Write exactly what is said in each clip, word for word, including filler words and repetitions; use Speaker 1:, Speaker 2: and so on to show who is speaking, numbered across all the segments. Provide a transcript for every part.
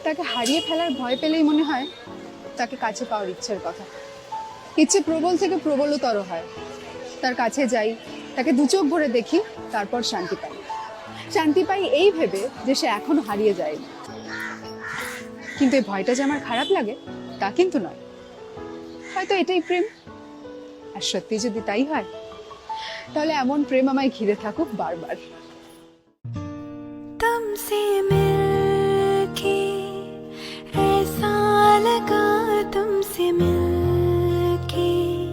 Speaker 1: তাকে হারিয়ে ফেলার ভয় পেলেই মনে হয় তাকে কাছে পাওয়ার ইচ্ছের কথা। ইচ্ছে প্রবল থেকে প্রবলতর হয়। তার কাছে যাই, তাকে দু চোখ ভরে দেখি, তারপর শান্তি পাই। শান্তি পাই এই ভেবে যে সে এখনো হারিয়ে যায়নি। কিন্তু এই ভয়টা যে আমার খারাপ লাগে তা কিন্তু নয়। হয়তো এটাই প্রেম। আর সত্যি যদি তাই হয় তাহলে এমন প্রেম আমায় ঘিরে থাকুক বারবার।
Speaker 2: तुमसे मिलके ऐसा लगा, तुमसे मिलके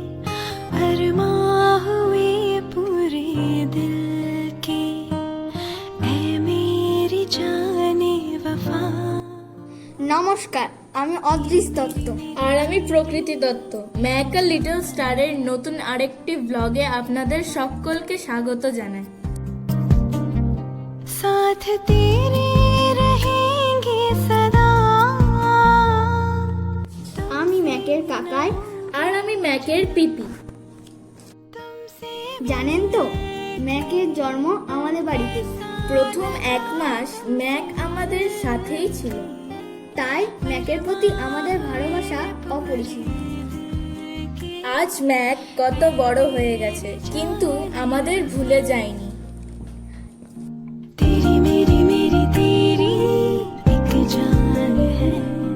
Speaker 2: अरमां हुए पूरे दिल के, ऐ मेरी जाने वफा।
Speaker 3: নমস্কার, আমি অদৃশ দত্ত।
Speaker 4: আর আমি প্রকৃতি দত্ত। ম্যাক আ লিটল স্টারের নতুন আরেকটি ব্লগে আপনাদের সকলকে স্বাগত জানাই।
Speaker 2: साथ तेरे रहेंगे सदा।
Speaker 3: আমি ম্যাকের কাকাই।
Speaker 4: আর আমি ম্যাকের পিপি।
Speaker 3: জানেন তো, ম্যাকের জন্ম আমাদের বাড়িতে।
Speaker 4: প্রথম এক মাস ম্যাক আমাদের সাথেই ছিল।
Speaker 3: তাই ম্যাকের প্রতি আমাদের ভালোবাসা অপরিসীম।
Speaker 4: আজ ম্যাক কত বড় হয়ে গেছে, কিন্তু আমাদের ভুলে যায়নি।
Speaker 2: तेरी मेरी मेरी तेरी एक जान है,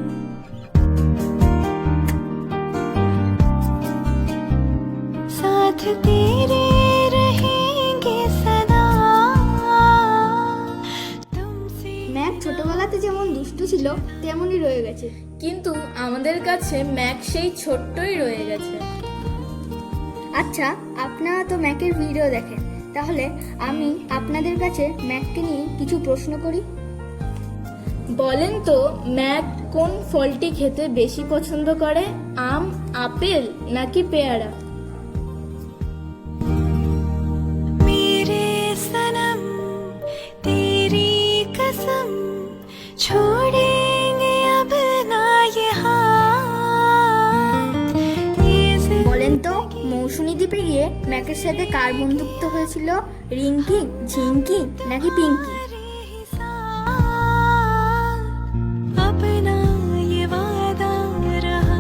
Speaker 2: साथ तेरे रहेंगे सदा। तुमसे
Speaker 3: ম্যাক ছোটবেলাতে যেমন দুষ্টু ছিল তেমনই রয়ে গেছে।
Speaker 4: কিন্তু আমাদের কাছে ম্যাক সেই ছোট্টই রয়ে গেছে।
Speaker 3: আচ্ছা, আপনারা তো ম্যাকের ভিডিও দেখেন, তাহলে আমি আপনাদের কাছে ম্যাককে নিয়ে কিছু প্রশ্ন করি।
Speaker 4: বলেন তো, ম্যাক কোন ফলটি খেতে বেশি পছন্দ করে? আম, আপেল নাকি পেয়ারা?
Speaker 2: मेरे सनम तेरी कसम, छोड़ेंगे अब ना ये हाथ। ये
Speaker 3: বলেন তো, মৌসুমী দ্বীপে গিয়ে ম্যাকের সাথে কার বন্ধুত্ব হয়েছিল? রিঙ্কি, ঝিঙ্কি নাকি পিঙ্কি?
Speaker 2: जिंदगी साथ अपना ये वादा रहा,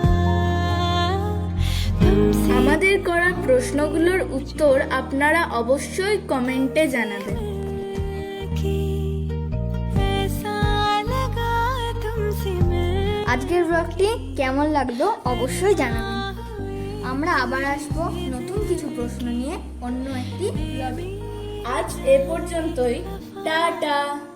Speaker 2: तुमसे
Speaker 4: আমাদের করা প্রশ্নগুলোর উত্তর আপনারা অবশ্যই কমেন্টে জানাবেন।
Speaker 2: कि ऐसा लगा तुमसे मिल।
Speaker 3: আজকের ব্লগটি কেমন লাগলো অবশ্যই জানাবেন। আমরা আবার আসবো নতুন কিছু প্রশ্ন নিয়ে অন্য একটি ব্লগে।
Speaker 4: আজ এ পর্যন্তই। টাটা।